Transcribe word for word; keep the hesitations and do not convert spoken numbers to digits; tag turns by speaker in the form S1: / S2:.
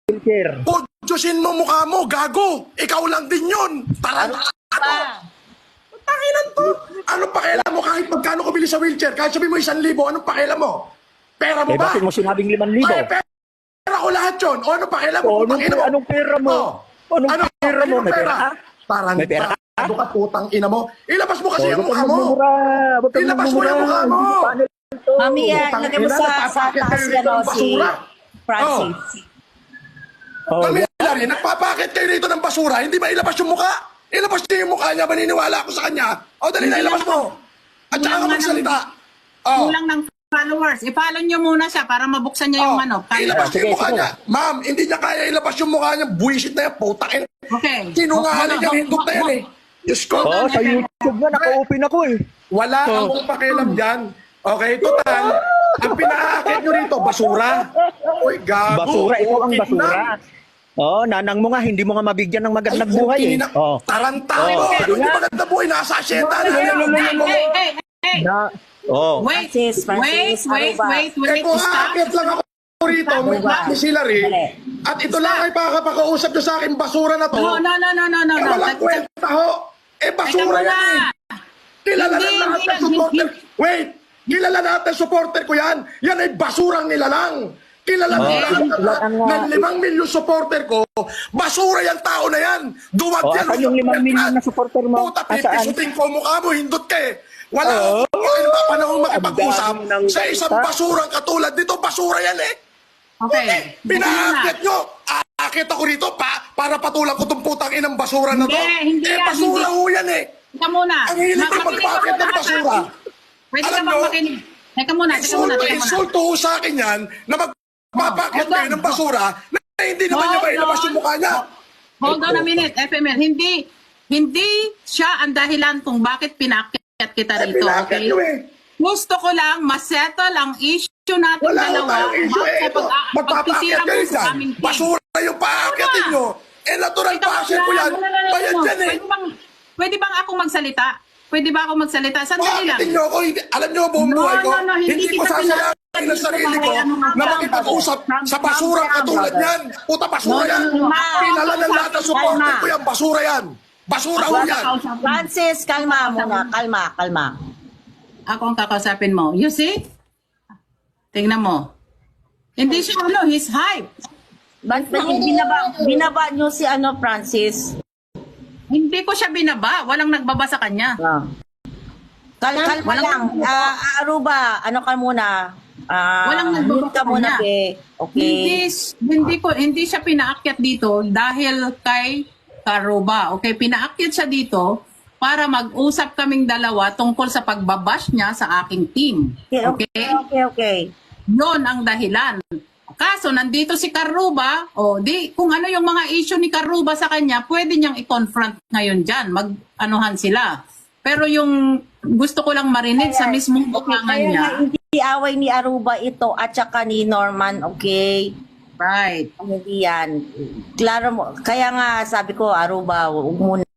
S1: wheelchair.
S2: Pudyosin mo mukha mo, gago. Ikaw lang din yun. Tarantado. Tanginan to. Anong pakialam mo kahit magkano ko bili sa wheelchair? Kahit sabihin mo isang libo, anong pakialam mo? Pera mo
S1: Eh,
S2: ba?
S1: bakit mo sinabing limang libo?
S2: Ay, pera ko lahat yun. O anong pakialam mo?
S1: O, anong,
S2: Putang ina mo?
S1: anong pera mo?
S2: Oh.
S1: Anong
S2: Ano?
S1: pera mo? May pera ka?
S2: Tarantado.
S1: May pera ka?
S2: Ano ka putang ina mo? Ilabas mo kasi
S1: O,
S2: yung
S1: huwag
S2: mukha
S1: kang
S2: mo.
S1: magmumura. Huwag kang
S2: Ilabas mo yung mukha mo.
S1: Paano to?
S3: Mami, yan.
S2: Putang
S3: Lagay mo
S2: ina,
S3: sa, sa
S2: napapakit
S3: taas
S2: kayo
S3: yan,
S2: rito
S3: o,
S2: ng
S3: si
S2: basura.
S3: Francis.
S1: Oh,
S2: Mami,
S1: yan.
S2: Larry, nagpapakit kayo rito ng basura, hindi ba ilabas yung mukha? Ilabas niyo yung mukha niya, maniniwala ako sa kanya. O, dali na,
S4: Hindi
S2: ilabas
S4: lang-
S2: mo. At saka ka
S4: Kulang nga
S2: magsalita. Oh.
S4: Kulang ng followers. I-follow nyo muna siya para mabuksan niya yung
S2: Oh,
S4: ano.
S2: ilabas niyo
S1: Sige,
S2: yung mukha
S1: sige.
S2: niya. Ma'am, hindi niya kaya ilabas yung mukha niya. Buwisit na yan, putakin.
S4: Okay.
S2: Sinungaling yung hindot na yan eh. Diyos ko.
S1: Oh, sa YouTube nga, naka-open ako eh.
S2: Wala
S1: Oh.
S2: akong pakialam dyan. Okay, total. Ang pinaakit nyo rito, basura. Uy, gago.
S1: Basura, ikaw ang
S2: Okay
S1: basura.
S2: na.
S1: Oh, nanang mo nga, hindi mo nga mabigyan ng magandang
S2: Ay,
S1: buhay eh.
S2: ina-
S1: Oh.
S2: Tarantado.
S1: Oh,
S2: Ano
S1: sige
S2: yung
S1: nga.
S2: maganda buhay? Nasa asyenda na.
S4: Hey,
S2: yan.
S4: hey, hey, hey, hey.
S1: Na, oh.
S4: Wait,
S3: Francis,
S4: wait,
S3: Francis,
S4: wait,
S3: Aruba.
S4: wait,
S2: Eh
S4: wait.
S2: kung
S4: Stop.
S2: aakit lang ako rito, may
S3: Aruba.
S2: ni sila rin,
S3: Dali.
S2: at ito lang ay pakapakausap nyo sa akin, basura na to.
S4: No, no, no, no, no, no.
S2: Eh,
S4: no.
S2: walang
S4: Teka,
S2: kwenta ho. Eh, basura
S4: teka
S2: yan eh.
S4: muna.
S2: Kilala
S4: Hindi,
S2: na lahat
S4: hindi
S2: ng
S4: yan,
S2: supporter.
S4: hindi.
S2: Wait, kilala lahat ng supporter ko yan. Yan ay basurang nilalang. Kilala
S1: Oh,
S2: na lahat
S1: ilan-
S2: ng-
S1: ilan ang,
S2: ng
S1: uh,
S2: limang milyon supporter ko. Basura yung tao na yan. Duwag
S1: Oh,
S2: yan.
S1: asan yung limang milyon na supporter mo?
S2: Puta,
S1: Asaan?
S2: pipisutin ko mukha mo, hindot ka eh. Wala
S1: Oh.
S2: akong oh. pa panahon makipag-usap
S1: Ang dami ng
S2: sa isang
S1: salita.
S2: basurang katulad dito. Basura yan eh.
S4: Okay.
S2: Pinaakit nyo. Aakit ako rito pa, para patulang ko itong putang inang basura na to.
S4: Hindi, hindi
S2: eh,
S4: yan,
S2: basura
S4: hindi.
S2: ho yan eh.
S4: Teka muna.
S2: Ang hilig ko
S4: Makinig ka
S2: magpakit
S4: muna
S2: ng
S4: sa
S2: basura.
S4: akin. Pwede ka
S2: Alam
S4: bang
S2: nyo,
S4: makinig? Teka muna, teka muna,
S2: Insulto,
S4: teka muna.
S2: insulto ho sa akin yan na magpapakit
S4: Hold on.
S2: kayo ng basura na hindi naman niya
S4: Hold
S2: mailabas
S4: on.
S2: yung mukha niya.
S4: Hold on a minute, F M L. Hindi, hindi siya ang dahilan kung bakit pinakyat kita
S2: Eh,
S4: rito.
S2: pinakit
S4: Okay?
S2: nyo eh.
S4: Gusto ko lang masettle ang issue natin
S2: Wala ho
S4: dalawa.
S2: tayong issue
S4: Bago
S2: eh. Ito,
S4: pag-
S2: magpapakit
S4: pagtisira mo
S2: kayo
S4: sa
S2: dyan.
S4: aming team.
S2: Basura yung paakitin
S4: Wala.
S2: nyo. Eh, natural
S4: Teka
S2: pa-action ko
S4: muna,
S2: yan.
S4: no, no, no, no,
S2: Bayad
S4: no.
S2: yan eh.
S4: Pwede bang, pwede bang ako magsalita? Pwede ba ako magsalita? Sandali lang.
S2: Paakitin nyo ako. Hindi, alam nyo buong
S4: No,
S2: buhay ko.
S4: no, no, hindi
S2: Hindi ko
S4: kita
S2: sasayangin ang sarili ko
S4: Ano nga
S2: na
S4: ba?
S2: makipag-usap sa basurang katulad yan. Puta, basura
S4: No, no,
S2: yan.
S4: no, no.
S2: Kilala ng lahat ng supporter
S4: Kalma.
S2: ko yan. Basura yan. Basura ho yan.
S3: Francis, kalma muna. Kalma, kalma.
S4: Ako ang kakausapin mo. You see? Tingnan mo. Hindi siya ano, he's hype.
S3: Ba't ba't binaba, binaba nyo si ano, Francis?
S4: Hindi ko siya binaba. Walang nagbaba sa kanya.
S3: Ah. Kal kalma
S4: Walang-
S3: lang. Ah, Aruba, ano ka muna? Ah,
S4: Walang nagbaba
S3: mute ka
S4: sa
S3: muna,
S4: kanya.
S3: be. Okay.
S4: Hindi, hindi ko hindi siya pinaakyat dito dahil kay Karuba. Okay, pinaakyat siya dito para mag-usap kaming dalawa tungkol sa pagbabash niya sa aking team.
S3: Okay, okay,
S4: Okay?
S3: okay, okay.
S4: Yon ang dahilan. Kaso nandito si Karuba, o di kung ano yung mga issue ni Karuba sa kanya, pwede niyang i-confront ngayon diyan, mag-anuhan sila. Pero yung gusto ko lang marinig sa mismong bukangan
S3: Kaya
S4: niya.
S3: nga, hindi away ni Aruba ito at saka ni Norman, okay?
S4: Right.
S3: Hindi yan. Klaro mo. Kaya nga, sabi ko, Aruba, huwag muna